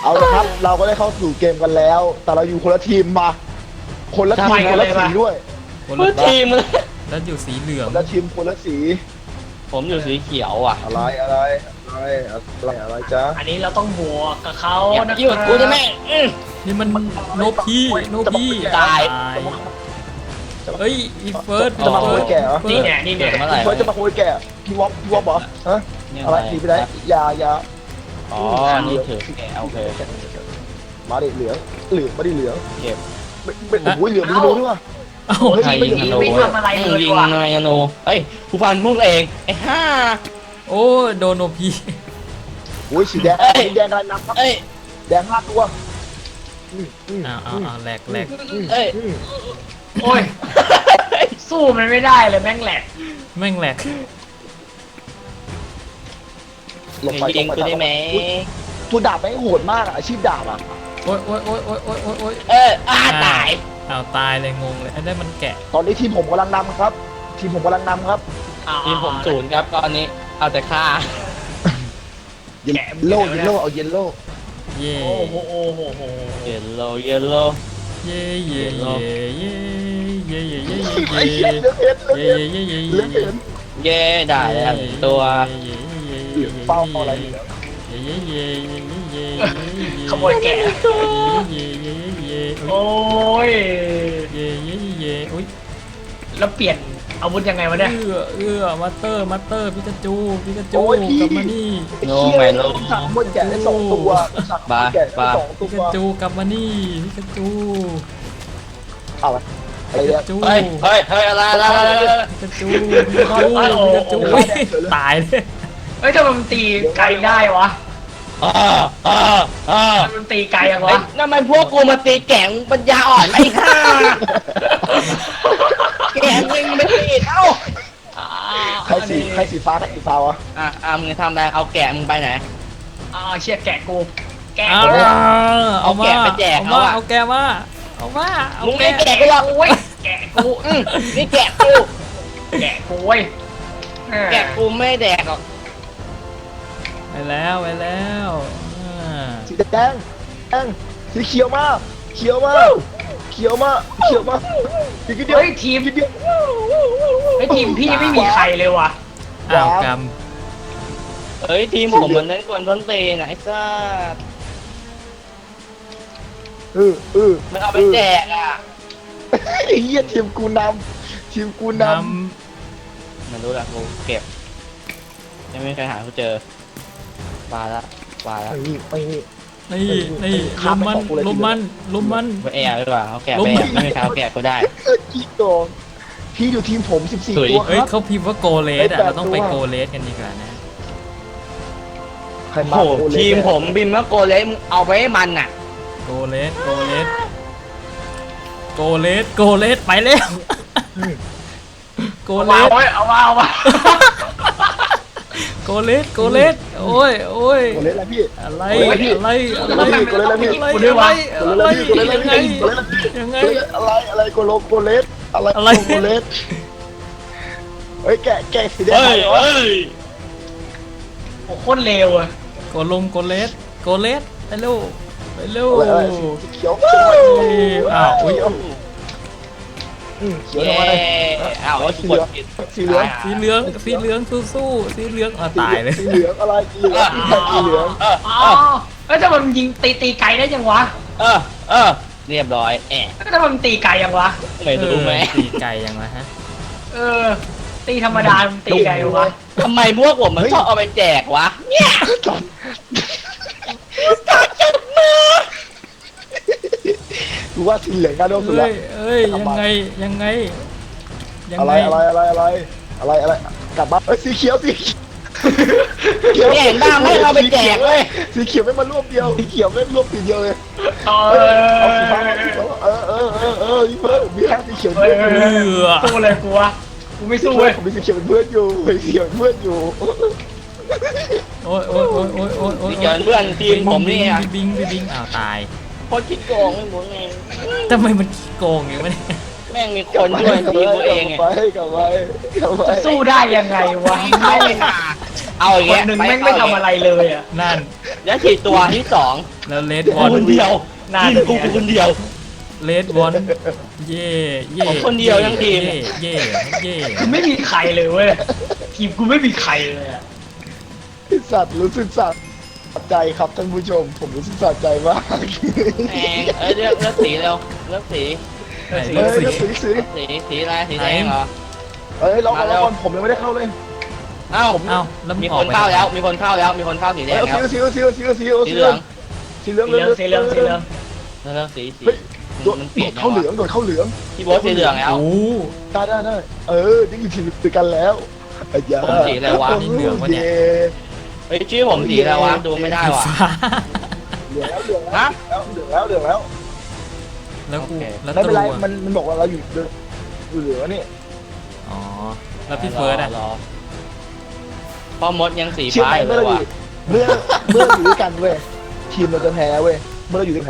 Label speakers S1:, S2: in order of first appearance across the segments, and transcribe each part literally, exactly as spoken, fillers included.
S1: เอาละครับเราก็ได้เข้าสู่เกมกันแล้ว แต่เราอยู่คนละทีมมา คนละทีมคนละสีด้วย
S2: คน
S3: เพื่
S2: ละ
S3: อทีมเลย
S2: แล้วอยู่สีเหลือ
S1: ค
S2: ง
S1: นละทีมคนละสี
S3: ผมอยู่สีเขียวอ่ะ
S1: อะไรอะไรอะไรอะไรอะไรจ๊ะ
S4: อันนี้เราต้องบวกกับเขา
S3: อย่า
S4: นะ
S3: มายุ่งกับกูจะแม่งอื้อ
S2: นี่มันโนพี่โนพี่
S3: ตาย
S2: เฮ้ยอีเฟิร์ส
S1: จะมาขโมยแกะเหรอ
S4: นี่เนี่ยนี่เนี่ย
S3: เมื่อไหร่
S1: เฟิร์สจะมาขโมยแกะพี่วอปพี่วอปเหรอฮะ
S3: เนี่ย
S1: อะไรหนีไปไหนอยาอยา
S3: อ๋อนี่ถือแกะโอเค
S1: มาดิเหลืองเหลืองมาดิเหลือง
S3: เก็บ
S1: ไม่ไม่โอ้ยเหลืองไม่รู้ด้วยว่ะ
S2: เอ้า
S1: เฮ้ย
S3: ใครยิงธนู
S4: ไม่ทำอะไรเลย
S3: ยิง
S4: ว่ะ
S3: นายธนูเฮ้ยผู้พันมุ่งเองไอ้ห่า
S2: โอ้โดนโนพี่
S1: โอ้ยสีแดงสีแดงกำลังนำครับ
S3: เอ้ย
S1: แดงห้าตัวอืมอืม
S2: อ้าวอ้าวอ้าวแหลกแหลก
S1: อืม
S3: เอ้ย
S1: อืม
S4: โอ้ยสู้มันไม่ได้เลยแม่งแหลก
S2: แม่งแหลก
S1: หลบไป
S3: ยิง
S1: หลบ
S3: กู
S1: ไป
S3: ได้ไหม
S1: อุ๊ยตัวดาบแม่งโหดมากอะอาชีพดาบอะ
S2: โอ้ยโอ้ยโอ้ยโอ้ยโอ้ยโอ้ยโอ้ย
S3: เอออ้าตาย
S2: อ้าวตายเลยงงเลยไอ้นั่นมันแกะ
S1: ตอนนี้ทีมผมกำลังนำครับ ทีมผมกำลังนำครับ
S4: อ่า
S3: ทีมผมศูนย์ครับตอนนี้เอาแต่ฆ่า
S1: เยลโล่เยลโล่เอาเยลโล่
S2: เย่
S4: โอ้โหโอ้โหโอ้โห
S3: เยลโลเยลโล
S2: เย่เย่เย่เย่เย่เย่เย่
S1: ไอ้
S2: เย่
S1: เหี้ยเลือกเห็นเลือก
S2: เย่
S1: เห็น
S2: เย่เย่
S1: เลือกเห็น
S3: เย่ได้แล้วตัว
S1: เหลืองเป้าอะไรเหลือง
S2: เย่เย่เย่เย่
S4: ขโมยแกะ
S2: เย่เย่เย่
S4: โอ้ย
S2: เย่เย่เย่อุ้ย
S4: แล้วเปลี่ยนอาวุธยังไงวะเนี่ย
S2: เอื้อเอื้อมาสเตอร์มาสเตอร์พิกาจูพิกาจู
S1: โอ้ยพี่
S2: กลับมานี่
S1: ไอ้เหี้ยสั่งหมดแกะได้สองตัวสั่งหมดแกะได้สองตั
S2: พิ
S1: ว
S2: กาจูกลับมานี่พิกาจู
S1: เอาอะไรอะไร
S2: พิ
S1: เนี่ย
S2: กาจู
S3: เฮ้ยเฮ้ยเฮ้ยอะไรอะไรอะไร
S2: พิกาจูพิกาจูพิกาจูตายเลย
S4: เฮ้ยทำไมมันตีไกลได้วะ
S3: อ่าอ่าอ่า
S4: ทำไมมันตีไกลยัง
S3: เฮ้ยว
S4: ะ
S3: นั่นมันพวกกูมาตีแก่งปัญญาอ่อนไอ้ห่าแก่งยิงไม่ตีเอ้า
S4: อ่า
S1: ใครสีใครสีฟ้าใครสีฟ้าวะ
S3: อ่ะอ่ะมึงทำอะไรเอาแกะมึงไปไหน
S4: อ่าเชี่ยแกะกูแกะ
S2: เอา
S4: กู
S2: เอามา
S3: เอาแกะไปแจก
S2: เอา
S3: เขา
S2: มา
S3: อะ
S2: เอาแกมาเอามาเอา
S3: มึง
S2: แก
S3: ไม่แกะก็หรอก
S4: โอ้ยแกะกู
S3: อืมนี่แกะกู
S4: แกะกูเว้ย
S3: แกะกูไม่แดกหรอก
S2: ไปแล้วไปแล้วอ่า
S1: สีแดงแดงสีเขียวมาเขียวมาเขียวมาเขียวมาอีกนิดเดียว
S4: เฮ้ยทีม
S1: อีกนิดเดียว
S4: เฮ้ยทีมพี่ไม่มีใครเลยว่ะ
S2: อ้าวกรรม
S3: เฮ้ยทีมผมมันเล่นกวนต้นตีนะไอ้ซ่า
S1: เออเออ
S3: มันเอาไปแจกอ่ะ
S1: ไอ้เหี้ยทีมกูนำทีมกูน
S2: น
S3: มันรู้ละกูเก็บยังไม่มีใครหากูเจอปลาละปลา
S1: ำ
S3: ละ
S1: ไม่มีไม่มี
S2: ำนี่นี่ลมมันลมมันลมมัน
S3: ไปแอบดีกว่าเขาแกะไปแอบไม่มีใครเอาแกะกูได้
S1: เออกี่โกงพี่อยู่ทีมผมสิบสี่
S3: สวย
S1: ตัวค
S2: เฮ้ย
S1: รับ
S2: เขาพิมพ์ว่าโกเลสอ่ะเราต้องไปโกเลสกันดีกว่านะ
S1: ใคร
S3: โอ้
S1: มา
S3: โห
S1: โอเล่
S3: ทีมผมบินมาโกเลสมึงเอาไปให้มันน่ะ
S2: โกเลสโกเลสโกเลสโกเลสไปแล้วโก
S4: เอา
S2: เล
S4: มา
S2: ส
S4: เว้ยเอามาเอามา
S2: โกเลสโกเลสโอ้ยโอ้ย
S1: โอเล่อะไรพี่
S2: อะไร
S1: โกเลสพี่
S2: อะไรอะไร
S1: โกเลสอะไรพี่
S2: อะไร
S1: โกเลส
S2: อะไร
S1: โกเล
S2: อะไร
S1: สโกเลส
S2: ยังไง
S1: โกเลส
S2: ยังไง
S1: อะไรอะไรโกโลโกเลสอะไร
S2: อะไร
S1: โกเลสเฮ้ยแกะแกะสีแดง
S3: เฮ้ย
S1: เหรอ
S3: เฮ้ย
S4: โอ้โคตรเลวอะ
S2: โกลงโกเลสโกเลสไปเร็วไปเร็ว
S1: อะไรอะไรสีเขียว
S2: อ้าวอุ้ย
S1: อืมเขียว
S3: เย้
S1: ทำไม
S3: อ้าวกดผิด
S1: สีเหลือง
S2: สีเหลืองสีเหลืองสู้ๆสีเหลืองอ่ะตายเลย
S1: สีเหลืองอะไรสีเหลืองสีเหลือง
S3: เออ
S4: อ๋
S3: เอ
S4: อ
S3: อ
S4: เอ้ยทำไมมันยิงตีตีไกลได้ยังวะ
S3: เออเออเรียบร้อยแอะ
S4: เอ้ยทำไมมันตีไกลยังวะ
S3: ไม่รู้ไหม
S2: ตีไก่ยังไงฮะ
S4: เออ ตีธรรมดามันตีไกลยังวะ
S3: ทำไมพวกผมมันชอบเอาไปแจกวะเนี่ยตัดจัดมา
S1: ดูว่าสีเหลืองน่าโดนสุด
S2: เอ้
S1: ละ
S2: ยเอ้ยยังไงยังไงยัง
S1: อะไร
S2: ไง
S1: อะไรอะไรอะไรอะไรอะไรกลับบ้านเอ้ยสีเขียวสีเขียว
S3: เนี่ยเห็นบ้างไม่เอาไปแจกเลย
S1: สีเขียวไม่มารวบเดียวสีเขียวไม่รวบสีเดียวเลย
S4: เอ
S1: เอาสีฟ้า
S4: อ
S1: เอาสีฟ้าเออเออเออเออพี่เพื่อนมีแค่สีเขียว
S4: เฮ้
S1: เพื่
S4: ย
S1: อน
S4: เฮ้ยเฮ้ยสู้เลยกูวะกูไม่สู้
S1: เพื่อ
S4: เว้
S1: น
S4: ย
S1: ผมมีสีเขียวเป็นเพื่อนอยู่มีสีเขียวเป็นเพื่อนอยู่
S2: โอ้ยโอ้ยโอ้ยโอ้ยโอ้ยโอ้ย
S3: นี่เกินเพื่อนทีมผมนี่อ่ะ
S2: บิงบิงบิงอ้าวตาย
S3: โคตรคิดโกงไม่หมุนเอง
S2: ทำไมมันขี้โกงอย่างนี้เนี่ย
S3: แม่งมีคนช่วยทีมตัวเองไง
S1: กลับไปกลับไปกลับไป
S4: จะสู้ได้ยังไงวะ
S3: เอาเลยค่ะเอาอย่าง
S4: ค
S3: เงี้
S4: น
S3: ย
S4: หนึ่งแม่งไม่ทำอะไรเลยอ่ะ
S2: นั่น
S3: แล้วฉีดตัวที่สอง
S2: แล้วเลด
S3: กู
S2: วอน
S3: คนเดียว
S4: น่า
S3: ทีม
S4: จะ
S3: กูกูคนเดียว
S2: เลดวอนเย่เย่
S3: ผมคนเดียวทั้งทีม
S2: เย่เย่เย่
S4: คือไม่มีใครเลยเว้ยทีมกูไม่มีใครเลยอะ
S1: ไอ้สัตว์รู้สึกสะใจครับท่านผู้ชม ผมรู้สึกสะใจมาก
S3: แหงเอ้ยเลือกเลือกสีเร็วเลือกสี
S2: ไหน
S1: เฮ้
S2: เลือก
S1: ย
S2: สี
S1: เลือกสีสี
S3: สีสีอะไรสีแดงเหรอ
S1: เอ้ยรอก่อน
S3: มาแล้
S1: รอ
S3: ว
S1: ก่อนผมยังไม่ได้เข้าเลย
S3: เอ้า
S2: เอ้าแล้วมึ
S3: มี
S2: งอ
S3: ค
S2: อก
S3: น
S2: ไป
S3: เข้าแล้วมีคนเข้าแล้วมีคนเข้าสีแด
S1: เอ้ย
S3: งแล้ว
S1: สีสีสีสีสี
S3: สีเหลือง
S1: สีเหลือง
S4: สีเหลืองสีเหลืองสีเหลือง
S3: เลือกสีสี
S1: เฮ้ยโดด
S3: มันเปลี่ยน
S1: เข้าเหลืองโดดเข้าเหลือง
S3: พี่โบ๊ทสีเหลืองแล้ว
S2: โอ้
S1: ได้ได้ได้เออยังอยู่ทีมเดียวกันแล้วไอ้ยา
S3: ผมสีอะไรวะ
S2: นี่เหลืองวะเนี่ย
S3: เฮ้ยชื่อผมสีอะไรวะดูไม่ได้ว่ะ
S2: ฟ้า
S1: เหลืองแล้วเหลือง
S3: ฮะ
S1: แล้วเหลืองแล้วเหลืองแล้ว
S2: แล้วกู
S3: โอเค
S2: แล้ว
S1: ไม่
S2: ตั
S1: เป็นไร
S2: ว
S1: มันมันบอกว่าเราอยู่อยู่เหลืองนี่
S2: อ๋อแล้วพี่เฟิร์สอะ
S3: รอพ่อมดยังสี
S1: เชื่อ
S3: ฟ้า
S1: ไหม
S3: อยู่เล
S1: เมื่อย เราอ
S3: ว่ะ
S1: ยู่เมื่อเมื่อเราอยู่ด้วยกันเว้ยทีมเราจะแพ้เว้ยเมื่อเราอยู่ด้วยแพ้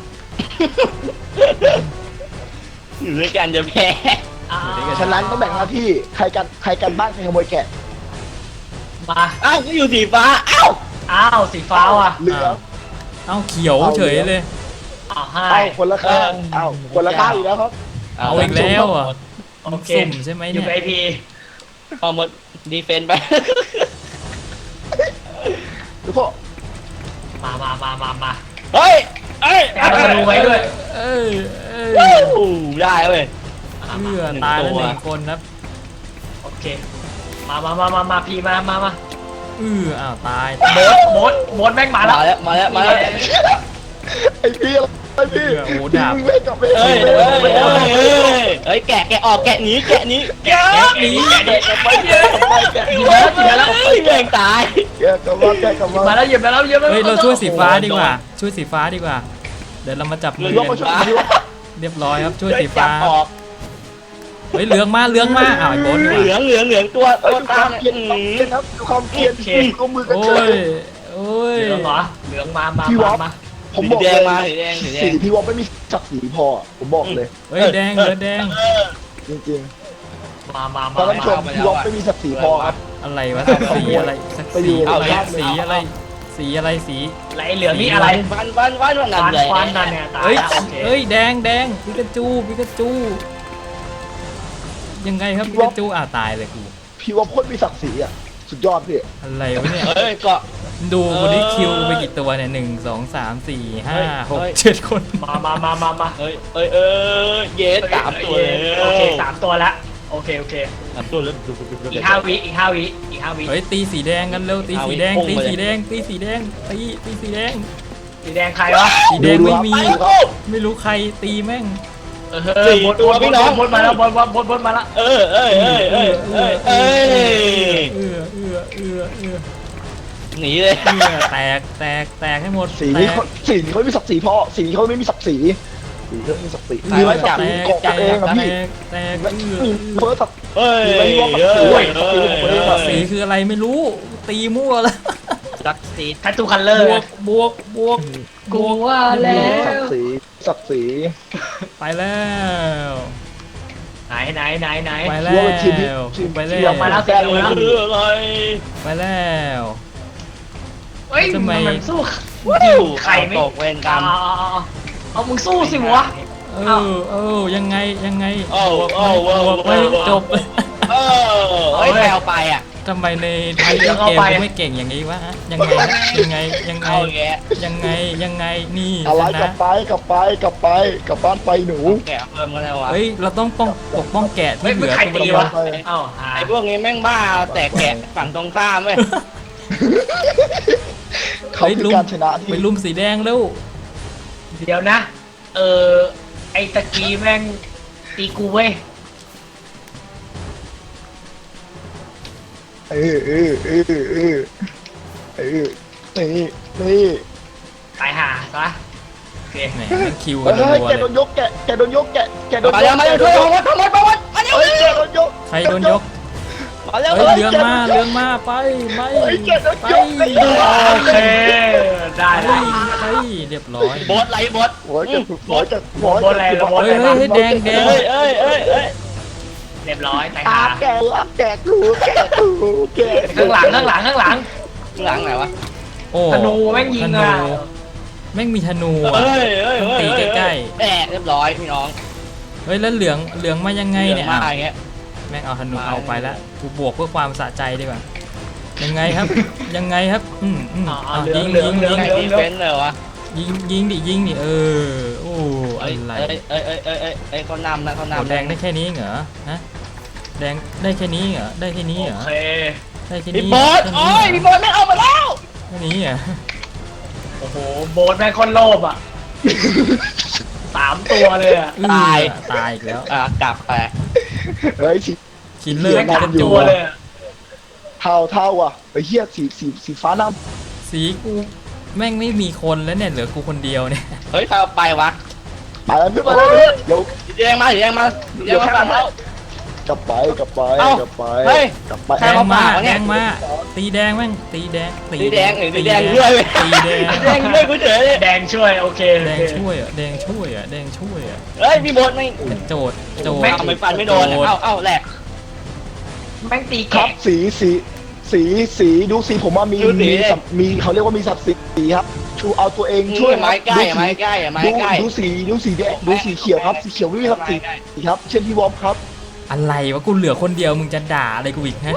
S3: อยู่ด้วยกันจะแพ้
S4: อ่า
S1: ฉะนั้นต้องแบ่งหน้าที่ใครกันใครกันบ้านใครขโมยแกะ
S4: มา
S3: อ้าวก็อยู่สีฟ้าอ้าว
S4: อ้าวสีฟ้าว่ะ
S1: เหลือง
S2: เอ้าเขียวเฉยเลย
S4: อ้าวให้
S1: เอาคนละข้างเอาคนละข้างอีกแล้วครับ
S2: เอาอีกแล้วอ่ะ
S4: โอเค
S2: สุ่มใช่ไหม
S4: อ
S2: เนี่
S4: ยู่
S2: ย
S4: ไอพี
S3: พ่อมดดีเฟนต์ไป
S1: ทุกคน
S4: มามามามามา
S3: เฮ้ยเอ้ย
S4: เอาธนูไว้ด้วย
S2: เอ้ยเอ้ย
S3: อู้ได้เว้ย
S4: มา
S2: เพื่อ
S3: หนึ่ง
S2: ตายแล้ว
S3: ตัว
S2: หนึ่งคนครับ
S4: โอเคมามามามามาพีมามามา
S2: เอออ้าวตาย
S4: โบสโบสโบสแม่งมา
S3: มา
S4: แล้ว
S3: แล้วมาแล้วมาแล้ว
S1: ไอ้พี่ไอ้พี่
S2: โอ้โห
S1: พี่
S2: ดาบ
S1: มึงเล่นกับเม
S3: เอ้ย
S1: ย์
S3: เอ้ยเอ้ยเอ้ยเอ้ยแกะแกะออกแกะหนีแกะหนีแกะ
S4: แกะหนีแกะหนี
S1: ไปแกะไปแกะ
S4: หยิบมาแล้วหยิบมาแล้ว
S3: เฮ้ยแม่งตาย
S1: แกะกลับมาแกะกลับ
S4: หยิบ
S1: มา
S4: มาแล้วหยิบมาแล้วหยิบมาแล้ว
S2: เฮ้ยเราช่วยสีฟ้าดีกว่า ช่วยสีฟ้าดีกว่า เดี๋ยวเรามาจับมือ
S1: ลงมาช่วยดีวะ
S2: เรียบร้อยครับช่วยสี
S3: จั
S2: ฟ้า
S3: บออก
S2: เฮ้ยเหลืองมาเหลืองมาอ้าวไอ้โบ๊ทดีก
S3: เหลือ
S2: ว่าง
S3: เหลืองเหลืองตัว
S1: เอ้ย
S3: ตัว
S1: ดูค
S3: ตาว
S1: าม
S3: เนี่ย
S1: เกลียดความเกลียดครับดูความเกลียดลงมือกัน
S2: โอ้
S1: เกิ
S2: ย
S1: น
S2: โอ้ย
S4: เหลืองเหรอเหลืองมามา
S1: พี่วอ
S4: มา
S1: ฟ
S4: มา
S1: ผม
S3: สี
S1: บอก
S3: แด
S1: เล
S3: ง
S1: ย
S3: มาสีแดงสีแด
S1: สี
S3: ง
S1: พี่วอฟไม่มีศักดิ์ศรีพอผมบอกเลย
S2: เฮ้ยแดงเหลือแดง
S1: จริง
S4: มามา
S1: ๆต
S4: มา
S1: อนนั้นชมพี่วอฟไม่มีศักดิ์ศรีพอครับ
S2: อะไรวะสักสีอะไรสัก
S1: ไปอยู่
S2: สีอะไร
S1: เอา
S2: สีอะไร สีอะไรสี
S4: ไรเหลืองนี่อะไร
S3: วันวันวันวันนั่น
S4: ฟัน
S3: เลย
S4: ฟันนั่นเนี่ยตาย
S2: เอ้ย
S4: แล้วโอเค
S2: เอ้ยแดงแดงปิกาจูปิกาจูยังไงครับปิกาจูอ่าตายเลยกู
S1: พี่วอฟโคตรมีศักดิ์ศรีอ่ะสุดยอดพี่
S2: อะไรวะเนี่ย
S3: เฮ้ยเกาะ
S2: ดูวันนี้คิวไปกี่ตัวเนี่ยหนึ่งสองสามสี่ห้า
S3: เฮ้ย
S2: หก
S3: เฮ้ย
S2: เจ็ดคน
S4: มามามามามา
S3: เอ้ยเอ้ยเอ้ยเยสสามตัวเลย
S4: โอเคสามตัวละโอเคโอเค
S3: สามตัวแล้ว
S4: อีกห้าวิอีกห้าวิอีกห้าวิ
S2: เฮ้ยตีสีแดงกันเร็วตีสีแดง
S3: เอาไว้
S2: ตี
S3: พุ่งไปเลย
S2: สีแดงตีสีแดงตีตีสีแดง
S4: สีแดงใครวะ
S2: สีแดงไม่มี
S1: ดูครับ
S2: ไม่รู้ใครตีแม่ง
S4: เออบดบดบดบดมาแล้วบดบดบดบดมาแล้ว
S3: เออเอ้ยเอ้ยเอ้ยเอ้ยเอ้ย
S2: เอือเอือเอือเอือ
S3: หนีเลย
S2: เอือแตกแตกแตกให้หมด
S1: สี
S2: แต
S1: นี้
S2: ก
S1: เขาสีนี้เขาไม่มีศักดิ์ศรีพอสีนี้เขาไม่มีศักดิ์ศรีสีเขาไม่มีศักดิ์ศรี
S2: แต
S1: มีไหม
S2: ก
S1: ศักดิ์ศรีเกาะ
S2: แต
S1: ตัวเอง
S2: ก
S1: อะ
S2: แต
S1: พี่
S2: กแตกเอือ
S1: มีเฟิร์สศักดิ์
S3: เฮ้ย
S1: ไม่รู้ว่า
S3: เฮ้ย
S1: ศักดิ์ศรี
S3: เฮ้ย
S1: ศักดิ์ศรี
S2: สีคืออะไรไม่รู้ ตีมั่วแล้ว
S3: จักสี
S4: ทัตตูคัลเลอบ ร์
S2: วกบวกบวก
S4: กูว่าแล้
S1: ศัก
S4: ว
S1: ดิ์ศรีศักดิ์ศรี
S2: ไปแล้ว
S4: ไหนไหนไหนไหน
S2: ไปแล้วไปแล้ว
S4: มาแล้ว
S3: แต่คืออะไร
S2: ไปแล้ว
S4: เฮ้ย
S2: ทำไม
S4: มันสู้
S3: ยิง
S4: ใครไม่
S3: ตกเวรกรรม
S4: เอาเอาเอาเอามึงสู้สิวะ
S2: เออเออยังไงยังไง
S3: โอ้โอ้
S2: บ
S3: โอ้
S2: วกไม่จบ
S3: เออเฮ้ยแปลไปอ่ะ
S2: ทำไมในไทยเกมกูไม่เก่งอย่างนี้วะยังไงยังไงยังไง
S3: เอาแก
S2: ยังไงยังไงนี่
S1: อะไร
S2: ช
S1: กลั
S2: นะ
S1: บไปกลับไปกลับไปกลับบ้านไปหนู
S3: แกเพิ่มกันแล้ววะ
S2: เฮ้ยเราต้องป้องปกป้องแกะ
S4: เฮ้ย
S2: ที่เห
S4: มึง
S2: ลือ
S4: ใคร
S2: ตัว
S4: ตี
S2: เดียว
S4: วะเอ้าหา
S3: ไอ้พวกนี้แม่งบ้าแต่แกะฝั่งตรงข้ามเว้ย
S1: เขาคือการชนะ
S2: ไป
S1: ที่
S2: ลุมสีแดงเร็ว
S4: เดี๋ยวนะ เออไอตะกี้แม่งตีกูเว้ย
S1: เออเออเออเออเออนี่นี่
S4: ตายห่าซะโอเค
S2: แหมมันคิวกัน
S1: เฮ้ย
S2: รัว
S1: แก
S2: ๆ
S1: โด
S2: เล
S1: น
S2: ย
S1: ยกแกแกโดนยกแกแกโดน
S3: มาย แล้ว
S1: ก
S3: มาแล้วช่วยผมมาทำไมประวัติมาเร็ว
S1: เฮ้ยแกโดนยก
S2: ใครโดนยก
S3: มาแล้ว
S2: เฮ้ยเรืองมาเรืองมาไปไป
S1: เฮ้ยแกโดน
S2: ไป
S1: ยกไอ้เหี้ย
S4: โอเคได้
S2: ไป
S4: ได้
S2: ไปเรียบร้อย
S3: บดไหลบด
S1: โอ้ยจะโอ้ยจะโอ้ย
S2: เฮ้ยเฮ้ยเฮ้ยแดงแดง
S3: เอ้ยเอ้ยเอ้ยเอ้ย
S4: เรียบร้อยตาย
S1: ตา
S4: ห่า
S1: แกรับแกกูแกกูแก
S4: ข้างหลังข้างหลังข้างหลัง
S3: หลังไหนวะ
S2: โอ้
S4: ธนูแม่งยิง
S2: ธนู
S4: อ่ะ
S2: แม่งมีธนู
S3: เฮ้
S2: อะ
S3: ยเฮ้ย
S2: ต้อง
S3: เฮ้ย
S2: ตีใกล้
S3: แอะเรียบร้อยพี่น้อง
S2: ๆเฮ้ยแล้วเหลืองเหลืองมายังไงเนี่ย
S3: มา
S2: อ้าว
S3: อย่างเงี้ย
S2: แม่งเอาธนู
S3: มา
S2: เอาไปแล้วกูบวกเพื่อความสะใจดีกว่ายังไงครับ ยังไงครับอืมอืม
S4: อ่า
S2: อ่ะ
S4: เหลื
S2: ยิ
S4: อง
S2: ง
S4: เหลือ
S2: ยิ
S4: ง
S2: ง
S4: เหลื
S2: ยิ
S4: อง
S2: ง
S3: ไงดีเฟนส์เลยวะ
S2: ยิงยิงดิยิงดิเออโอ้อะ
S3: เอ้ย
S2: ไร
S3: เอ้ยเอ้ยเอ้ยเอ้ยเอ้ยเอ้ยเขานำนะเขา
S2: โอ้
S3: นำ
S2: แดงได้แค่นี้เหรอฮะแดงได้แค่นี้เหรอได้แค่นี้เหร
S4: โอ
S2: อ
S4: เค
S2: ได้แค่
S3: พี่
S2: นี้
S3: โบอสโอ้ยพี่โบอสไม่เอามาแล้ว
S2: แค่นี้เหรอ
S4: โอ้โหโบสแม่งคนโลภอ่ะสามตัวเลยอ่ะ
S2: อื้อตายอีกแล้ว
S3: อ่ะกลับไป
S1: เฮ้ยสี
S2: ชินเลอร์
S4: แม่ง
S2: น่า
S4: สา
S2: จะ
S4: ม
S2: อยู่
S4: ตัวเลยอะ
S1: เทาเทาอ่ะไอ้เหี้ยสีสีสีฟ้าน้
S2: สีกูแม่งไม่มีคนแล้วเนี่ยเหลือกูคนเดียวเนี่ย
S3: เฮ้ยใครเอาไปวะ
S1: ำไปแล้วเพื่อนไปแล้วเพื่อนเดี๋ยว
S3: สีแดงมาสีแดงมาสีแดงมาแล้ว
S1: กลับไปกลับไป
S3: เอ้าก
S1: ลับไป
S3: เฮ้ย
S1: กลับไป
S3: ใคร
S2: แดง
S3: เอา
S2: มา
S3: เปล่าเนี่
S2: แด
S3: ย
S2: งมาตีแดงแม่งตีแดง
S3: สีแดงเอ้ยสีแดงด้วยเว้ย
S2: ตีแดง
S3: สีแดงด้วยกูเฉยเลย
S4: แดงช่วยโอเคโอ
S2: แดง
S4: เค
S2: ช่วยอ่ะแดงช่วยอ่ะแดงช่วยอ่ะ
S3: เฮ้ยพี่โบอสไม่
S2: โจดโจด
S3: เอาไม่ฟันไม่โดนอะเอ้าเอ้าแหลก
S4: แม่งตี
S1: ครั
S4: แกะ
S1: บสีสีสีสีดูสีผมว่ามี
S3: ดูสี
S1: มีสับมีเขาเรียกว่ามีสับสีครับชูเอาตัวเองช่
S3: ช่
S1: ว
S3: วย ยไม้ใกล้
S1: ดู
S3: อะ
S1: สี
S3: ไม้ใกล้อะไม้
S1: ดู
S3: ใกล้
S1: ดูสีดูสีแดงดูสีเขียวครับสีเขียวไม่มีครับสีสีครับ เช่นพี่วอมครับ
S2: อะไรวะกูเหลือคนเดียวมึงจะด่าอะไรกูอีกฮะ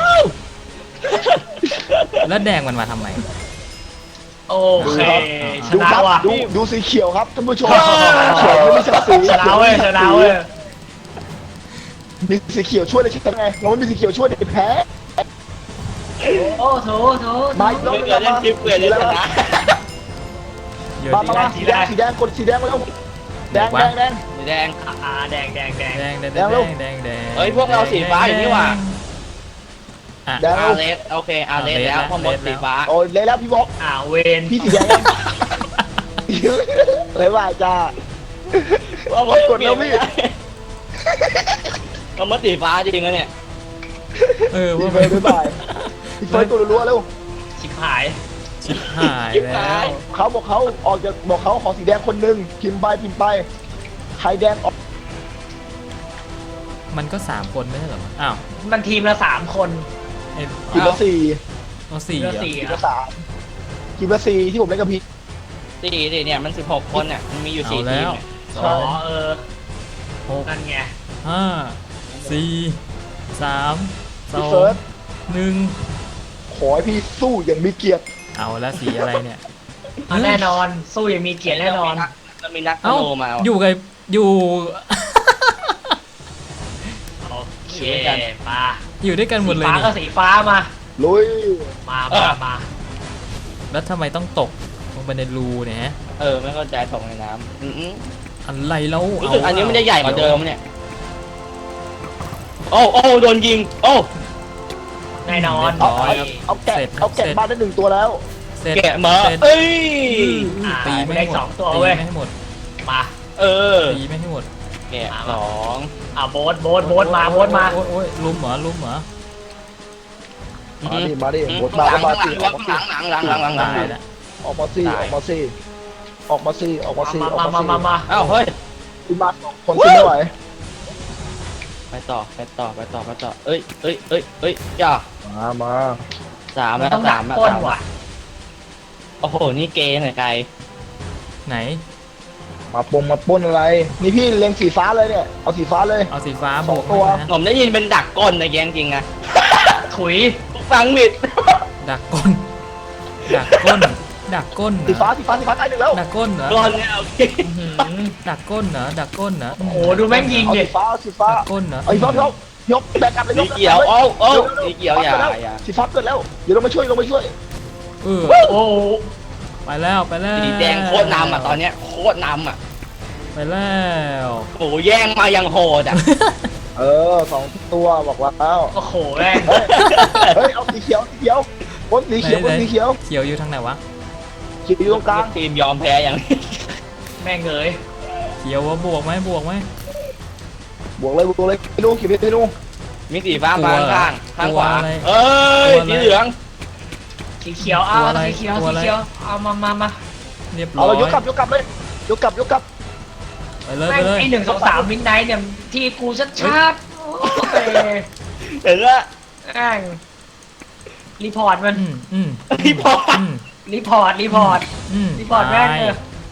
S2: แล้วแดงมันมาทำไม
S4: โอเคช
S1: ดู
S4: นะครับ ว่ะ
S1: ดูดูสีเขียวครับท่านผู้ชมเขียวไม่มีสับสี
S4: ชนะเว้ยชนะเว้ย
S1: มีสีเขียวช่วยเลยใช่ไหมเราไม่มีสีเขียวช่วยเด็กแพ้
S4: โอ้โถโถ
S1: มาอีกรอบ
S3: ไม่เกิดเล่นคลิปเกิดเล่นชนะ
S2: เดี๋ยว
S1: มา
S2: ดิ
S1: มามาสีแดงสีแดงกดสีแดงมาแล้วแดงแดงแดง
S3: สีแดง
S4: อ่าแดงแดงแดง
S2: แดงแดง
S1: แด
S2: แด
S1: ง
S2: ง
S1: ลูก
S2: แดงแดง
S3: เฮ้ยพวกเราสีฟ้าอยู่นี่หว่า
S2: อ่ะ
S1: แดง
S3: อาเลสโอเคอาเลสแล้วพ่อมดสีฟ้า
S1: โอ้ยเลยแล้วพี่บอก
S4: อ่าเวน
S1: พี่สีแดงเลยว่าจ้า
S3: พ่อมด
S1: กดแล้วพี่
S3: พ่อมดสีฟ้าจริงนะเนี่ย
S2: เออ
S1: พี่
S2: ว่า
S1: เฟิร์นบ๊ายบายพี่เฟิร์นกดรัวๆเร็ว
S4: ชิบหาย
S2: ชิบหาย
S3: ชิบ
S2: แล้
S3: หา
S2: วย
S1: เขาบอกเขาออกจากบอกเขาขอสีแดงคนหนึ่งพิมพ์ไปพิมพ์ไปใครแดงออก
S2: มันก็สามคนไม่ใช่เหรออ้าว
S4: มันทีมละสามคน
S2: ไอ้
S1: ทีมละสี่
S2: เอาสี่
S4: ทีม
S2: เหร
S4: ละ
S2: อ
S4: สี่
S1: ทีม
S4: อะ
S1: ละสามทีมละสี่ที่ผมเล่นกับพี่
S3: สี่ดิเนี่ยมันสิบหกคนเนี่ยมันมีอยู่
S2: เอา
S3: สี่ที
S2: แล้
S3: ม
S2: ว
S3: เนี่ย
S2: ส
S4: อ๋
S2: อ
S4: อง เออ
S2: หก
S4: นั่นไง
S2: ห้าสี่สามส
S1: พี่
S2: อง
S1: เฟิร์น
S2: หนึ่ง
S1: ขอให้พี่สู้อย่างมีเกียรติ
S2: เอาแล้วสีอะไรเนี่ย
S4: อ่ะแน่นอนสู้อย่างมีเกียรติแน่นอน
S3: มันมีนักธ
S2: เอ้า
S3: นูมา
S2: อยู่กับอยู่
S4: โอเค
S3: อยู่ด้วยกัน
S4: มา
S2: อยู่ด้วยกันหม
S4: สี
S2: ดเลย
S4: ฟ้า
S2: นี่
S4: ก็สีฟ้ามา
S1: ลุย
S4: มามามา
S2: แล้วทำไมต้องตกลงไปในรูเนี่ยฮะ
S3: เออไม่เข้าใจถงในน้ำอืม
S2: อะไรแล้ว
S3: รู้สึกอันนี้มันจะใหญ่กว่าเดิมเนี่ยโอ้โอ้โดนยิงโอ้
S4: แน่นอน
S1: เอาเอาเอาแกะเอาแกะบ้านได้หนึ่งตัวแล้ว
S2: เสร็จ
S3: แกะมา
S2: เสร็จ
S3: เอ้ย
S2: อืมตีไม่
S4: ได้
S2: ให้หม
S4: ส
S2: ด
S4: องตัว
S2: ตี
S4: เว้ย
S2: ไม่ให้หมด
S4: มา
S3: เออ
S2: ตีไม่ให้หมด
S3: แกะสอง
S4: อ่ะโบสโบสโบสมาโบสมา
S2: โอ้ยโอ้ยลุมเหรอลุมเหรอ
S1: มาดิมาดิ
S3: อื
S1: บทมา
S3: หลัง
S1: มา
S3: หลั
S1: สิ
S3: ง
S1: ออกมาสิ
S3: หลังหลังหลังหลังหลังหลัง
S2: ตายแล้ว
S1: ออกมาสิออกมาสิออกมาสิออกมาสิออก
S4: มา
S1: มา
S4: มา
S1: สิ
S4: มามา
S3: อ้าวเฮ้ย
S1: คุณมาสองคนคุณไม่ไหว
S3: ไปต่อไปต่อไปต่อไปต่อเอ้ยเอ้ยเอ้ยเอ้ยอย่า
S1: มามา
S3: สามแล้ว
S4: ต้องดั
S3: สาก มแล้ว
S4: ก้น
S3: สาม
S4: ว่ะ
S3: โอ้โหนี่เกย์หน่อยไกล
S2: ไหน
S1: มาปงมาป้นอะไร นี่พี่เล็งสีฟ้าเลยเนี่ยเอาสีฟ้าเลย
S2: เอาสีฟ้า
S1: ส
S2: บ
S1: อง
S2: วก
S1: ตัว
S2: ให้นะ
S3: ผมได้ยินเป็นดักก้นในแกงจริงอะ
S4: ถุย
S3: ฟังมิด
S2: ดักก้น ดักก้น ดักก้นเหร
S1: สี
S2: อ
S1: ฟ้าสีฟ้าสีฟ้าใกล้หนึ่งแล้ว
S2: ดักก้นเหรอ
S3: ก้นเนี่ยโอเค
S4: อื้อหือ
S2: ดักก้นเหรอดักก้นเหรอ
S4: โอ้โหดูแม่งยิง
S1: เอา
S4: ดิ
S1: สีฟ้าเอาสีฟ้า
S2: ดักก้นเหรอ
S1: เอาสีฟ้ายกยกแบกกลับเลย
S3: สี
S1: ยก
S3: เขียวโอ้โอ้สีเขียวอย่าอย่า
S1: สีฟ้าเกิดแล้วเดี๋ยวเรามาช่วยเรามาช่วย
S2: เออ
S4: โอ้โห
S2: ไปแล้วไปแล้ว
S3: สีแดงโคตรนำอ่ะตอนเนี้ยโคตรนำอ่ะ
S2: ไปแล้ว
S3: โอ้โหแย่งมายังโหดอ่ะ
S1: เออสองตัวบอกว่าแล้ว
S4: โอ้โหแม่ง
S1: เฮ้ยเฮ้ยเอาสีเขียวสีเขียวบนสีเขียวบนสีเขียว
S2: เขียวอยู่ทางไหนวะ
S1: เขียวอยู่ตรงกลาง
S3: ทีมยอมแพ้อย่างนี้
S4: แม่งเอ๋ย
S2: เขียวว่าบวกไหมบวกไหม
S1: บวกเลยบวกเลยพี่นูเขียวพี่นู
S3: มีสีฟ้ามาข้างข้างขวา
S2: ตัวอะไร
S3: เอ้ยสีเหลือง
S4: สีเขียวเอา
S2: ตัวอะไร
S4: สีเขียว
S2: ตัว
S4: สี
S2: อะไร
S4: เขียวเอามามามา
S2: เรียบร้
S1: เอา
S2: อย
S1: เรายกกลับยกกลับเลยยกกลับยกกลับ
S2: ไปเลย
S4: แม่
S2: ไป
S4: ง
S2: เลย
S4: ไอหนึ่งสองสามมิดไนท์เนี่ยที่กูชัดชัดๆโอ้ย
S3: เห็นแล้ว
S4: แม่งรีพอร์ตมัน
S2: อืมอืม
S3: พี่พอ
S2: อืม
S4: รีพอร์ตรีพอร์ต
S2: อืม
S4: รีพอร์ตแม่ง
S2: ตาย
S4: เออ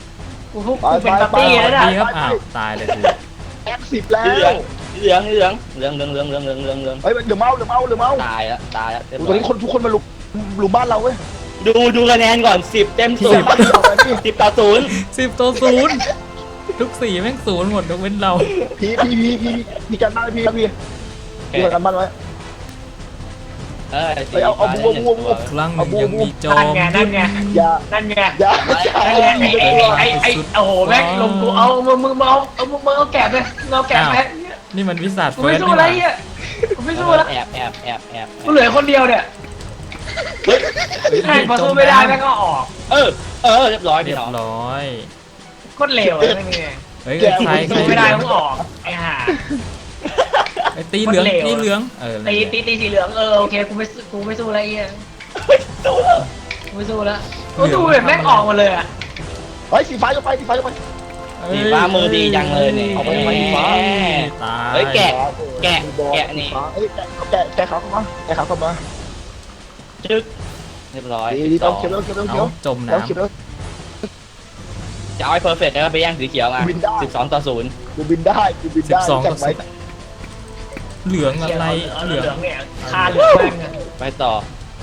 S4: กูพวกกูเป็นปาร์ตี้แล้วน่ะ
S2: ดีครับอ้าวตายเลยกู
S1: แอคสิบแล้
S3: เหลือง
S1: ว
S3: เหลืองเหลืองเหลืองเหลืองเหลืองเหลืองเหลืองเหลืองเหลือง
S1: เฮ้ยเดี๋ยวเมาเดี๋ยวเมาเดี๋ยวเมา
S3: ตายแล้วตายแล้วเรียบ
S1: ตอน
S3: ร้อย
S1: นี้คนทุกคนมาลุมลุมบ้านเราเว้ย
S3: ดูดูคะแนนก่อนสิบเต็มศูนย์
S1: บ้านเราเลยพี่
S3: สิบต่อศูนย์
S2: สิบต่อศูนย์ทุกสี่แม่งศูนย์หมดยกเว้นเรา
S1: พี่พี่พี่พี่พี่การบ้านพี่ครับพี่พี่การบ้านไว้
S3: เออ
S1: เฮ้ยเอาเอาบัวบัวบัว
S2: ครั้งหนึ่งยังมีจอ
S4: นั่น
S2: ม
S4: ไงนั่นไง
S1: อย่า
S4: นั่นไง
S1: อย่า
S4: นั่นไงไอ้ไอ้ไอ้ไอ้โอ้โหแม่งลงกูเอามึงมึงเอาเอามึงเอาแกะไปเอาแกะไป
S2: นี่มันวิสัท
S4: กู
S2: เฟิ
S4: ไม่
S2: ร์ส
S4: สู้
S2: นี่
S4: อะไร
S2: หว่า
S4: เงี้ยกูไม่สู้แล้ว
S3: แอบแอบแอบแอบ
S4: กูเหลือคนเดียวเนี่ยใครมาสู้ไม่ได้แม่งก็ออก
S3: เออเออเรียบร้อย
S2: เรี
S3: พี่
S2: ย
S3: น้อง
S2: บร้อย
S4: โคตรเลวเลยนั่นไง
S2: เฮ้ยใครใคร
S4: สู้ไม่ได้ต้องออกไอ้ห่า
S2: ไอ้ตีเหลือง
S4: คนเลว
S2: ตีเหลืองเออ
S4: ตีตีตีสีเหลืองเออโอเคกูไม่สู้กูไม่สู้อะไรเงี้ยกูไม่สู้แล้วกูสู้แบบแม่งออกหมดเลยอ่ะ
S1: เฮ้ยสีฟ้าจะไปสีฟ้าจะไป
S3: สีฟ้ามือดีจังเลยเนี่ย
S1: เอาไปทำไมสีฟ้า
S2: ตาย
S3: เฮ้ยแกะ แกะแกะนี่
S1: เฮ้ยแกะแกะแกะเขาเข้ามาแกะเขาเข้ามา
S3: จึ๊กเรียบร้อย
S1: ดีดีต้องเขียวต้องเขียวต้องเขี
S2: เอา
S1: ยว
S2: จม
S1: ต้องเขียว
S2: น้ำ
S1: ต้อง
S3: จะเอาไอ้เพอร์เฟกต์แล้วก็ไปแย่งสีเขียวมา
S1: วินได้
S3: สิบสองต่อศูนย์
S1: กูบินได้กูบิน
S2: สิบ
S1: ได้
S2: สอง
S1: แจ
S2: ต่อก
S1: ไว้
S2: สิบเหลืองอะไร
S4: เห
S2: เห
S4: ลื
S2: ลื
S4: อ
S2: อง ง
S4: เนี่ยคาเหลืองแม่งอะ
S3: ไปต่อ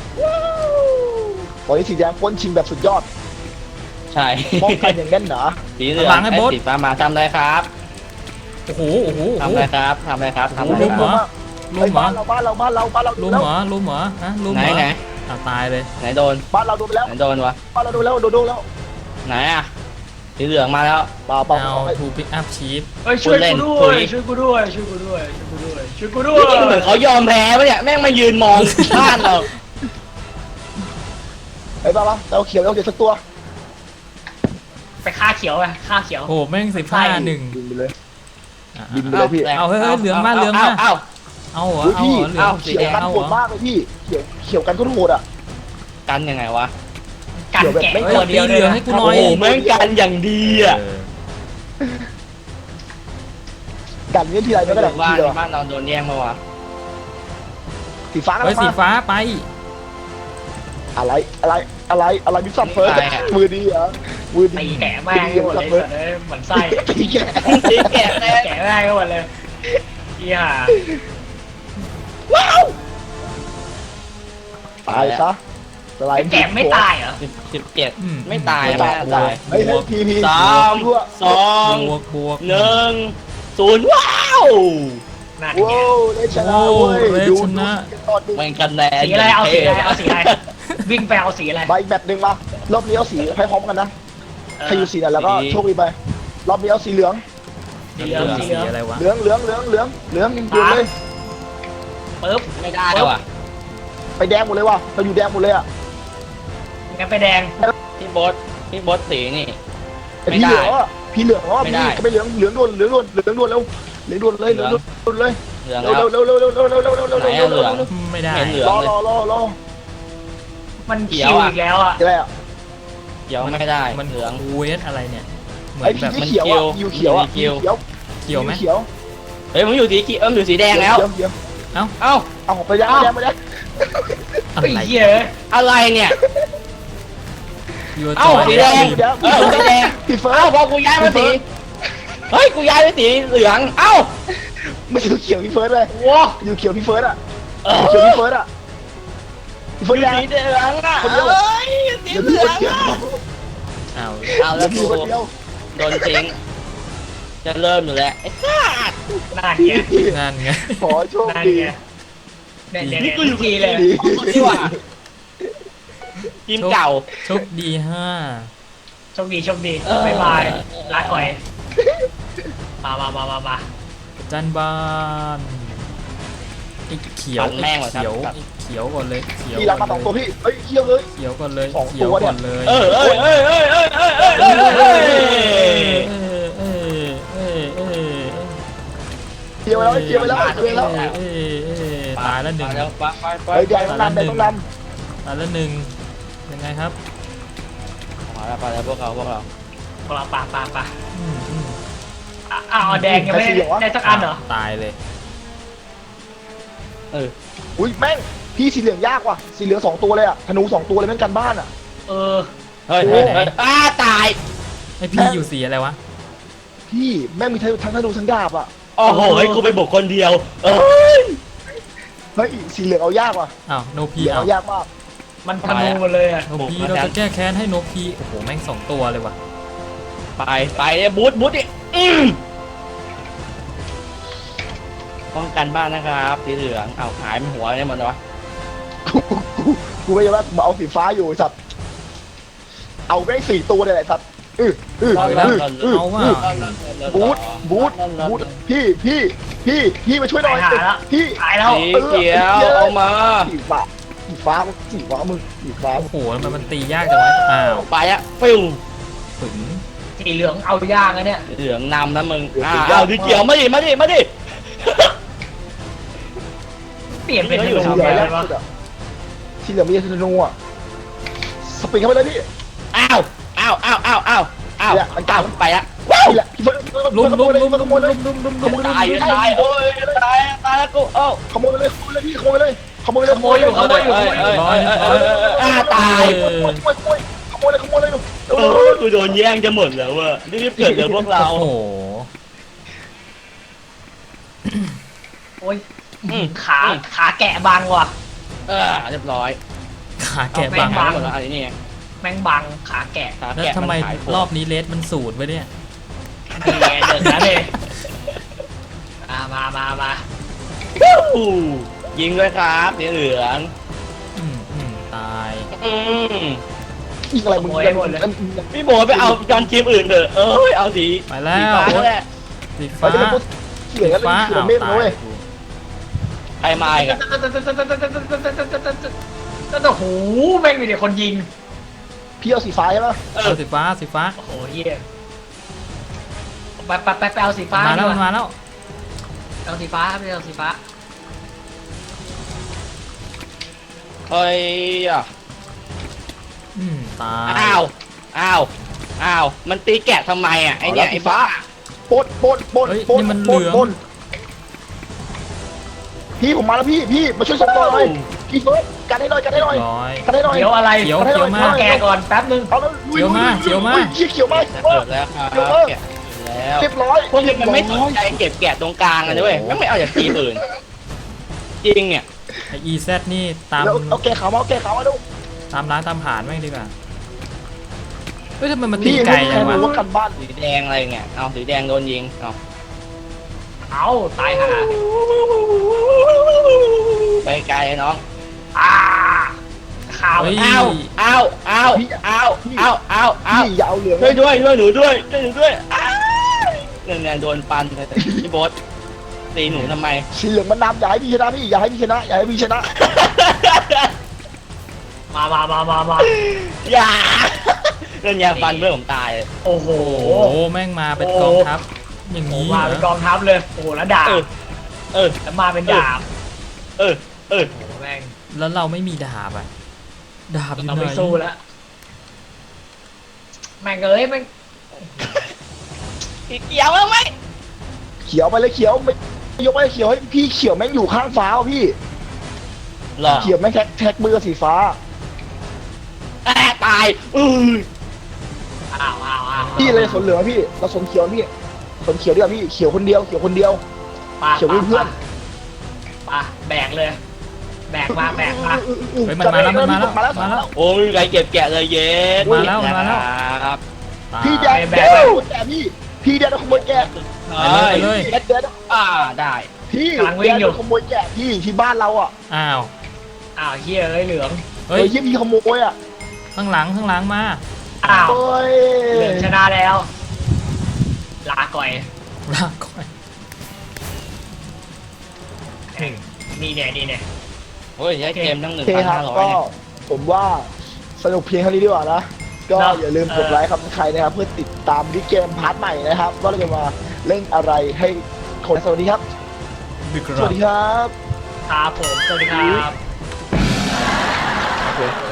S1: ตอนนี้สีแดงพ้นชิงแบบสุดยอด
S3: ใช่
S1: ป้องกันอย่างแน่นหนา
S3: สีเหลืองไอ้สีฟ้ามาทำอะไรครับ
S2: โอ้โหโอ้โหโอ้
S3: ทำ
S2: โห
S3: อะไรครับทำอะไรครับทำอะไร
S2: ลุม
S3: ค
S2: เหร
S3: รับ
S2: อ ลุ
S1: ไอ้
S2: มเหร
S1: บ้า
S2: อน
S1: เราบ้านเราบ้านเราบ้านเรา
S2: ลุมเหรอลุมเหรอฮะลุม
S3: ไหน
S2: เหรอ
S3: ไหน
S2: อ่ะตายเลย
S3: ไหนโดน
S1: บ้านเราโดนไปแล้ว
S3: ไหนโดนวะ
S1: บ้านเราโดนแล้วโดนโดนแล้ว
S3: ไหนอ่ะสีเหลืองมาแล้ว
S1: เปล่าเปล่า
S2: เอาทูพิกอัพชีฟ
S4: เฮ้ยช่วยกูด้วยช่วยกูด้วยช่วยกูด้วยช่วยกูด้วยช่วยกูด้วย
S3: นี่เหมือนเขายอมแพ้ปะเนี่ยแม่งมายืนมองบ้านเรา
S1: ไอ้บ้าปะเราเขียวเราเขียวสักตัว
S4: ไปฆ่าเขียวไปฆ่าเขียว
S2: โอ้โหแม่งสิบห้าหนึ่ง
S1: บินไปเลย
S2: อ่ะ
S1: บินไปเลยพี่
S2: เอาเฮ้ยเฮ้ยเหลืองมาเหลืองมา
S3: เอ้า
S2: เอาเหรอ
S1: อุ้ย
S2: เอา
S1: พี่
S2: เหรอเหลือง
S1: เขียวกัน
S2: เอา
S1: โห
S2: เหร
S1: ด
S2: อ
S1: มากเลยพี่เขียวเขียวกันก็โหดอ่ะ
S3: กันยังไงวะ
S4: กันแกะ
S2: เฮ้ย
S4: ตัวเดียว
S2: ตีเหลืองให้กูหน่
S3: โอ้
S2: อย
S3: โหแม่งกันอย่างดีอ่ะ
S2: เออ
S1: กันเนี้ยทีไรไม่ก็ได้
S3: บ้า
S1: ที
S3: น
S1: เดียว
S3: บ้านเราโดนแย่งมาวะ
S1: สีฟ้ากัน
S2: เฮ้ยสี
S1: มา
S2: ฟ้าไป
S1: อะไรอะไรอะไรอะไรบิ๊กซัมเฟิร์สมือดีเหรอมือดี
S4: ตีแกะแม่งให้หมดเลยสัตว์เลยเหมือนไส้
S1: ตีแกะ
S3: สีแกะแน่
S4: แกะแม่งให้หมดเลยเฮีย
S1: ตายซะสไลด์
S4: แกะไม่ตายเหรอ
S3: สิบสิบเจ็ด
S2: อืม
S3: ไม่ตาย
S1: ไม่
S3: ไม่
S1: ตาย
S3: ตาย
S1: เฮ้ยเฮ้ยพีพี
S3: สามสอง
S2: บวกบวก
S3: หนึ่งศูนย์ว้าว
S4: นั่นไง
S1: โว้วเลชนะเว้ย
S2: โอ้เล
S1: ดู
S2: ชนะ
S1: ตอนดู
S3: แม่งกันแน่
S4: สีอะไรเอาสีอะไรเอาสีอะไรวิ่งไปเอาสีอะไร
S1: มาอีกแบบหนึ่งมารอบนี้เอาสีให้พร้อมกันนะใครอยู่สีไหนแล้วก็โชคดีไปรอบนี้เอาสีเหลือง
S4: สีเหลืองสีเหลือง
S2: อะไรวะ
S1: เหลืองเหลืองเหลืองเหลืองเหลืองยิงปืนเลย
S4: ปึ๊บ
S3: ไม่ได้แล้วว่ะ
S1: ไปแดงหมดเลยว่ะเราอยู่แดงหมดเลยอ่ะ
S4: งั้นไปแดง
S3: พี่บอสพี่บอสสีนี่
S1: ไอ้
S3: ไม่
S1: พี่
S3: ได้
S1: เหลืองอ่ะพี่เหลืองอ่ะ
S3: ไม่
S1: พี่
S3: ได้
S1: ก็ไปเหลืองเหลืองด่วนเหลืองด่วนเหลืองด่วนแล้วเหลืองด่วนเลยเหลืองด่วนเลย
S3: เหลือง
S1: เร็ว
S3: แล้ว
S1: เร็วเร็วเร็วเร็วเร็วเร็วเร็วเร็วเร็ว
S3: ไหนอะเหลือง
S2: ไม่ได้
S3: เห็นเหลือง
S1: รอ
S3: เลย
S1: รอรอรอ
S4: มัน
S3: เขี
S4: คิ
S3: ยว
S4: ว
S3: อะ
S4: อีกแล้วอ่ะ
S1: อะไรอ่ะ
S3: เขียวไม่ได้
S2: มัน
S3: เหลือง
S2: เวสอะไรเนี่ย เหมือ
S1: ไอ้
S2: น
S1: พี่
S2: แบบ
S1: ที่
S2: มัน
S1: เขียวอ่ะอยู่เขียวอ่ะ
S3: เขียว
S1: เขียว
S2: เขียวไหม
S1: เขียว
S3: เฮ้ยผมอยู่สีเขียวเอออยู่สีแดงแล้ว
S1: เขียวเขียว
S3: เอ้า
S1: เอาไปแดงไปแดงไปแดง
S2: อะ
S4: ไอ้
S2: ไร
S4: เหี้ย
S3: อะไรเนี่ย
S2: ยู
S3: เอ้า
S2: จอย
S3: สีแดง เออสีแดง
S1: พี่เฟิร์
S3: เอ้า
S1: ส
S3: พอกูย้ายมาสีเฮ้ยกูย้ายไปสีเหลืองเอ้า
S1: ไม่ใช่เขียวพี่เฟิร์สเลย
S3: ว้า
S1: อยู่เขียวพี่เฟิร์สอ่ะ
S3: เออ
S1: เขียวพี่เฟิร์สอ่ะพี่
S3: อ
S1: เฟิร์ส
S3: ยู่
S1: แดง
S3: สีเหลืองอ่ะ
S1: คนเดียว
S3: เอ้ยสี
S1: เดี๋ยว
S3: เห
S1: พี่
S3: ลื
S1: ค
S3: อน ง
S1: เดียว
S3: อะ
S2: เอา
S3: เอาแล้
S1: เดี๋ยว ว
S3: กู
S1: พี่คนเดียว
S3: โดนทิ้งจะเริ่มอยู่แล้วไอ้สัส
S4: นั่นไง
S2: นั่นไง
S1: ขอโชค
S4: นั่น
S1: ดี
S4: ไงเนี่ยเนี่ยเนี่ยทุกทีเลย
S1: ดี
S3: นี่หว่าทีมเก่า
S2: โชคดีห้า
S4: โชคดีโชคดี
S3: เออ
S4: บายบายลาก่อยมามามามามา
S2: จันบานไอ้เขียว
S3: ปั่นแม่
S2: ไอ้
S3: งว่ะครับ
S2: เขียวไอ้เขียวก่อนเลยเขียว
S1: พี่รับมาสองตัวพี่เฮ้ยเขียวเลย
S2: เขียวก่อนเลย
S1: สอง
S2: เขี
S1: ตั
S2: ยว
S1: วเนี่ย
S2: ก่อนเลย
S3: เออเออเออเออเออเออเออเออเออ
S2: เออเออเออเออ
S1: เขียวไปแล้วเขียวไปแล้วเขียวไปแล้ว
S2: เออเออตายแล้วหนึ่ง
S3: แล้วไปไปไป
S1: เฮ้ยแดงต้องนำแดงต้องน
S2: ตายแล้วหนึ่งยังไงครับ
S3: มาแล้วไปแล้วพวกเราพวกเรา
S4: พวกเราปาปาปา
S2: อืมอืม
S4: อ้าวแดงยังไม่ได้ได้สักอันเหรอ
S2: ตายเลย
S3: เออ
S1: ำอุ้ยแม่งพี่สีเหลืองยากว่ะสีเหลืองสองตัวเลยอ่ะธนูสองตัวเลยแม่งกันบ้านอ่ะ
S4: เออ
S3: เฮ้ยเฮ้ยเฮ้ยอ้าตาย
S2: ไอพี่อยู่สีอะไรวะ
S1: พี่แม่งมีทั้งธนูทั้งดาบอ่ะ
S3: โอ้โหกูไปบุกคนเดียว เออ
S1: เฮ้ยสีเหลืองเอายากว่ะ
S2: อ้าวโน
S1: สี
S2: พี
S1: เหลือง
S2: อ้าว
S1: เอายากมาก
S4: มันธนูหมดเลยอ่ะ
S2: โนพีเราจะแก้แค้นให้โนพีโอ้โหแม่งสองตัวเลยว่ะ
S3: ไปไปบูทบูทดิอืมป้องกันบ้านนะครับสีเหลืองเอาหายมันหัวเนี่ยหมดเลยวะ
S1: กูกูกูไม่ยอมรับมาเอาสีฟ้าอยู่ไอ้สัตว์เอาแม่งสี่ตัวเลยไอ้สัตว์อื้ออื้อ
S2: เอา
S1: อื้อ
S2: แล้ว
S1: อื้อ
S2: เอาว่า
S1: บูทบูทบูทพี่พี่พี่พี่มาช่วยหน่อย
S4: ตายหาแล้ว
S1: พี่
S4: ตายแล้ว
S3: สีเขียวเอามา
S1: สีฟ้าสีฟ้าสีฟ้ามึงสีฟ้า
S2: โอ้โหมันมันตียากจังวะอ้าว
S3: ไปอะฟิว
S2: ถึง
S4: สีเหลืองเอายากนะเนี่ย
S3: เหลืองนำนะมึงอ่าเอาสีเขียวมาดิมาดิมาดิ
S4: เปลี่ยนเป็นธ
S1: สี
S4: นู
S1: เหลื
S4: ไป
S1: อง
S4: เล
S1: แร
S4: ย
S1: ก
S4: วะ
S1: สุดอะสีเหลืองมีธนูอะสปริงเข้าไปเลยพี่
S3: อ้าวอ้าวอ้าวอ้าวอ้าวอ้าว
S1: เนี่ยมันกลาง
S3: ไปอะ
S1: นี่แหละพี่เฟิร์ส
S2: ลุมลุมลุม
S1: ข
S2: ลุม
S1: โมยเลย
S2: ลุมลุมลุม
S1: ขโมยเลย
S3: ตายตายโอ้ยตายตายแล้วกูเอ้า
S1: ขโมยเลยขโมยเลยพี่ขโมยเลยขโมยเลย
S4: ขโมยอยู่ขโมยอยู่ขโมยอยู่
S3: เอ้ยเอ้ยเอ้ยอ้าตาย
S1: ขโมยขโมยขโมยขโมยเลยขโมยเลย
S3: เออกูโดนแย่งจะหมดแล้วเว้ยรีบเกิดเดี๋ยวพวกเรา
S2: โอ้โห
S4: โอ้ยขาขาแกะบางว่ะ
S3: เออเรียบร้อย
S2: ขาแกะ
S4: เอา
S2: บัง
S4: แม่ง
S3: หมดแล้วอันนี้
S4: แม่งบังขาแกะ
S3: ขา
S2: แล้ว
S3: แกะ
S2: ทำไม
S3: นหาย
S2: รอบนี้เลสมันสูตรไว้เนี่ย
S4: นี่ไงเดินนะเลยมามามามา
S3: อู้ยิงด้วยครับสีเหลือง
S2: อืมอืมตาย
S3: อืม
S1: อีกอะไรมึง
S3: พี่โบไปเอาจอนทีมอื่นเถอะเอ้ยเอาสี
S2: ไปแล้ว
S3: สีฟ้าแหละ
S2: สี
S1: ฟ้า
S2: ฟ้า
S1: จะเป็นพวกเขียนกันเลย
S2: ฟ้า
S1: เขีย
S2: อ้าน ว
S1: เมฆ
S2: ตา
S1: นะเว้
S2: ย
S1: ย
S3: ใครมาอีกอะ
S4: ก็โอ้โหแม่งมีแต่คนยิง
S1: พี่เอาสีฟ้าใช่ไหม
S3: เออ
S2: เอาสีฟ้าสีฟ้า
S4: โอ้โหเฮียไปไปไปไปเอาสีฟ้า
S2: มาแล้ว
S4: ดี
S2: มัน
S4: ก
S2: มาแล้ว
S4: เอาสีฟ้าไปเอาสีฟ้า
S3: เฮ้ยอ่ะ
S2: อืมตาย
S3: อ้าวอ้าวอ้าวมันตีแกะทำไมอ่ะไอเนี่ยไอ้บ้า
S1: ปนปนปนปนปนปนพี่ผมมาแล้วพี่พี่มาช่วยส่งต่อหน่อยพี่เฟิร์สกันให้หน่อยกันให้หน่อย
S2: ร้อย
S1: กันให้หน่อย
S4: เขียวอะไร
S2: เขียวเขียวมาก
S4: แกะก่อนแป๊บนึง
S1: เอาแล้ว
S2: เขียวมาเขียวมา
S1: เขียวมา
S3: จะเกิดแล้วครับแกะแล้ว
S1: เรียบร้อย
S3: พวกนี้มันไม่สนใจเก็บแกะตรงกลางเลยเว้ยไม่เอาจากทีมอื่นจริงเนี่ย
S2: ไออีแซดนี่ตาม
S1: แล้วเอาแกขาวมาเอาแกขาวมาดู
S2: ตามร้านตามผ่านแม่งดีกว่าเฮ้ยทำไมมันตี
S1: พี่
S2: ไกล
S1: ใคร
S2: จังวะ
S1: รู้ว่ากันบ้าน
S3: สีแดงอะไรเงี้ยเอาสีแดงโดนยิงเอา
S4: เอาตายหา
S3: ไปไกลน้อง
S4: อ่าข่าว
S2: เฮ้ย
S3: เอาเอาเอาเอาเอาเอาเอา
S1: พี่อย่าเอาเหลือง
S3: ช่วยด้วยช่วยหนูด้วยช่วยหนูด้วยอ้าวเนี่ยเนี่ยโดนปันเลยพี่โบ๊ทตีหนูทำไม
S1: สีเหลืองมันนำอย่าให้พี่ชนะพี่อย่าให้พี่ชนะอย่าให้พี่ชนะ
S4: มามามามามา
S3: อย่าเรื่องยาฟันเพื่อนผมตายเลย
S4: โอ้โห
S2: โอ้โหแม่งมาเป็นกองทัพอย่าง
S4: โอ้
S2: นี้
S4: มา
S2: เหร
S4: เป็น
S2: อก
S4: องทัพเลยโอ้โหแล้วดาบ
S3: เออเออ
S4: แล้วมาเป็นดาบ
S3: เออเออ
S4: โอ้โหแม่ง
S2: แล้วเราไม่มีดาบอ่ะดาบอยู่
S4: เรา
S2: ไหน
S4: ไม่สู้แล้วแม่งเอ้ยแม่ง
S3: เกี่ยวแล้วไหม
S1: เขียวไปเลยเขียวไม่ยกไปเขียวให้พี่เขียวแม่งอยู่ข้างฟ้าพี่
S3: หรอ
S1: เขียวแม่งแท็กแท็กมือสีฟ้า
S3: แอบตายอือ
S4: อ้าวอ้าวอ้าว
S1: พี่เลยสนเหลืองพี่เราสนเขียวพี่สนเขียวดีกว่าพี่เขียวคนเดียวเขียวคนเดียว
S4: ปะ
S1: เขียวเพื่อน
S4: ปะแบกเลย แบกมาแบกมา
S2: เฮ้ยมันมาแล้วมันมาแล้วมาแล้ว
S3: โอ้ยใครเก็บแกะเลยเย็น
S2: มาแล้วมาแล้ว
S3: ครับ
S2: ตาย
S1: พี่แดดแดดขโมยแกะพี่พี่แดดขโมยแกะ
S2: ไปเลย
S1: แดดแดด
S3: อ่าได้
S1: พี่แดดขโมยแกะพี่ที่บ้านเราอ่ะ
S2: อ้าว
S4: อ้าวเฮียเอ้ยเหลือง
S2: เฮ้
S1: เฮ้
S2: ย
S1: ยยี่พี่ขโมยอ่ะ
S2: ข้างหลังข้างหลังมา
S4: อ้าว
S1: โอ้ย
S4: เหลืองชนะแล้ว ลาก่อย
S2: ลากก่อน
S4: นี่เนี่ยนี่เนี่ย
S3: โอ้ยใช้เกมทั้งหนึ่
S1: โอง เค
S3: พัน
S1: ครั
S3: ห้า
S1: บ
S3: ร้อย
S1: ก็
S3: เนี่ย
S1: ผมว่าสนุกเพียงเท่านี้ดีกว่านะก็อย่าลืมกดไลค์ครับใครนะครับเพื่อติดตามดิเกมพาร์ทใหม่นะครับว่าเราจะมาเล่นอะไรให้คนสวัสดีครับ
S2: ดึก
S1: สวัสดีครับ
S4: ครับผม สวัสดีครับ
S1: โอเค